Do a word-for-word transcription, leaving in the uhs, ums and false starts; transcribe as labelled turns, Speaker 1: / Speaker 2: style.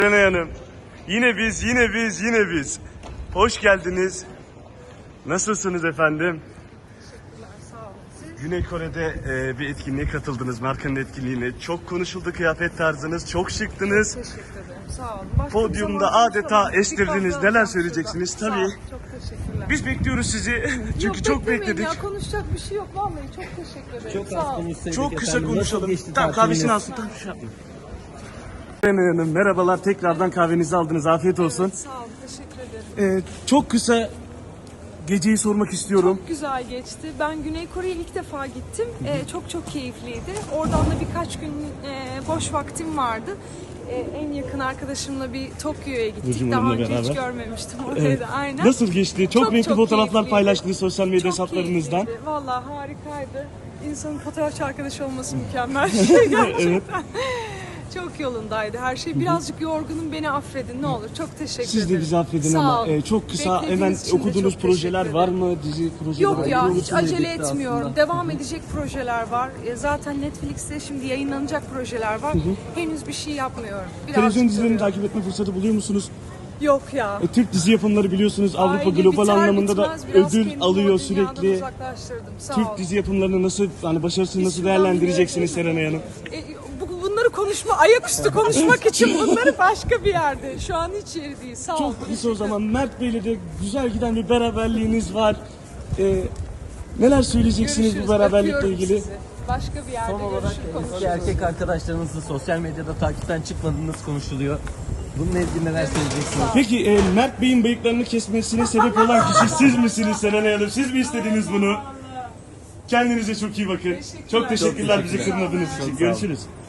Speaker 1: Serenay Hanım, yine biz, yine biz, yine biz. Hoş geldiniz. Nasılsınız efendim?
Speaker 2: Teşekkürler, sağ olun. Siz?
Speaker 1: Güney Kore'de e, bir etkinliğe katıldınız, markanın etkinliğine. Çok konuşuldu kıyafet tarzınız, çok şıktınız.
Speaker 2: Teşekkür ederim, sağ olun. Başka bir
Speaker 1: Podyumda
Speaker 2: zaman
Speaker 1: adeta
Speaker 2: konuşalım.
Speaker 1: estirdiniz.
Speaker 2: Bir kahve
Speaker 1: Neler
Speaker 2: alacağım
Speaker 1: söyleyeceksiniz?
Speaker 2: şurada.
Speaker 1: Tabii.
Speaker 2: Sağ olun, çok teşekkürler.
Speaker 1: Biz bekliyoruz sizi çünkü
Speaker 2: Yok,
Speaker 1: çok
Speaker 2: beklemeyin
Speaker 1: bekledik.
Speaker 2: Ya, konuşacak bir şey yok vallahi, çok teşekkür ederim.
Speaker 3: Çok
Speaker 2: sağ
Speaker 3: az
Speaker 2: olun.
Speaker 3: konuşsaydık
Speaker 1: Çok kısa
Speaker 3: efendim. Nasıl
Speaker 1: konuşalım.
Speaker 3: geçti
Speaker 1: Tamam,
Speaker 3: tatiliniz?
Speaker 1: kahvesini alsın. Tamam, şey yapma. Serenay Hanım, merhabalar. Tekrardan kahvenizi aldınız. Afiyet olsun.
Speaker 2: Sağ olun, teşekkür ederim.
Speaker 1: E, çok kısa geceyi sormak istiyorum.
Speaker 2: Çok güzel geçti. Ben Güney Kore'ye ilk defa gittim. Ee, çok çok keyifliydi. Oradan da birkaç gün e, boş vaktim vardı. Ee, en yakın arkadaşımla bir Tokyo'ya gittik.
Speaker 1: Burcu
Speaker 2: Daha
Speaker 1: Hanım'la
Speaker 2: önce hiç
Speaker 1: beraber.
Speaker 2: görmemiştim orayı da. Aynen.
Speaker 1: Nasıl geçti? Çok,
Speaker 2: Çok,
Speaker 1: renkli
Speaker 2: çok
Speaker 1: fotoğraflar
Speaker 2: keyifliydi.
Speaker 1: paylaştınız sosyal medya
Speaker 2: Çok
Speaker 1: hesaplarınızdan.
Speaker 2: keyifliydi. Vallahi harikaydı. İnsanın fotoğrafçı arkadaşı olması mükemmel bir şey gerçekten. Çok yolundaydı her şey. Birazcık yorgunum, beni affedin ne olur. Çok teşekkür
Speaker 1: Siz
Speaker 2: ederim.
Speaker 1: de bizi affedin
Speaker 2: Sağ
Speaker 1: ama
Speaker 2: olun.
Speaker 1: e, çok kısa
Speaker 2: Beklediğiniz
Speaker 1: hemen
Speaker 2: için de
Speaker 1: okuduğunuz
Speaker 2: çok
Speaker 1: projeler
Speaker 2: teşekkür
Speaker 1: var
Speaker 2: ederim.
Speaker 1: mı? Dizi projeleri
Speaker 2: Yok ya,
Speaker 1: hayırlı
Speaker 2: hiç
Speaker 1: olsun.
Speaker 2: acele
Speaker 3: birlikte
Speaker 2: etmiyorum.
Speaker 3: aslında.
Speaker 2: Devam edecek projeler var. E, Zaten Netflix'te şimdi yayınlanacak projeler var. Henüz bir şey yapmıyorum. Birazcık
Speaker 1: Televizyon dizilerini
Speaker 2: duruyorum.
Speaker 1: takip etme fırsatı buluyor musunuz?
Speaker 2: Yok ya.
Speaker 1: E, Türk dizi yapımları biliyorsunuz Avrupa
Speaker 2: Aile
Speaker 1: global
Speaker 2: biter
Speaker 1: anlamında da
Speaker 2: bitmez biraz
Speaker 1: ödül
Speaker 2: kendimi
Speaker 1: alıyor
Speaker 2: o dünyadan
Speaker 1: sürekli.
Speaker 2: uzaklaştırdım. Sağ
Speaker 1: Türk
Speaker 2: olun.
Speaker 1: dizi yapımlarını nasıl, hani başarısını nasıl
Speaker 2: Şuradan
Speaker 1: değerlendireceksiniz
Speaker 2: bir-
Speaker 1: Serenay Hanım?
Speaker 2: E, bu- bunları konuşma, ayaküstü konuşmak için bunları başka bir yerde. Şu an hiç yeri değil. Sağ olun.
Speaker 1: Çok kısa o zaman Mert Bey'le de güzel giden bir beraberliğiniz var. E, neler söyleyeceksiniz
Speaker 2: Görüşürüz.
Speaker 1: bu beraberlikle
Speaker 2: Öpüyorum
Speaker 1: ilgili?
Speaker 2: sizi. Başka bir yerde
Speaker 3: Son olarak
Speaker 2: görüşür
Speaker 3: eski
Speaker 2: konuşuruz.
Speaker 3: erkek arkadaşlarınızı sosyal medyada takipten çıkmadığınız konuşuluyor. Bununla ilgili neler söyleyeceksiniz?
Speaker 1: Peki e, Mert Bey'in bıyıklarını kesmesine sebep olan kişi siz misiniz Serenay Hanım? Siz mi istediniz bunu? Kendinize çok iyi bakın. Çok teşekkürler bizi
Speaker 3: teşekkürler.
Speaker 1: kırmadığınız
Speaker 3: Çok
Speaker 1: için.
Speaker 3: sağ olun.
Speaker 1: Görüşürüz.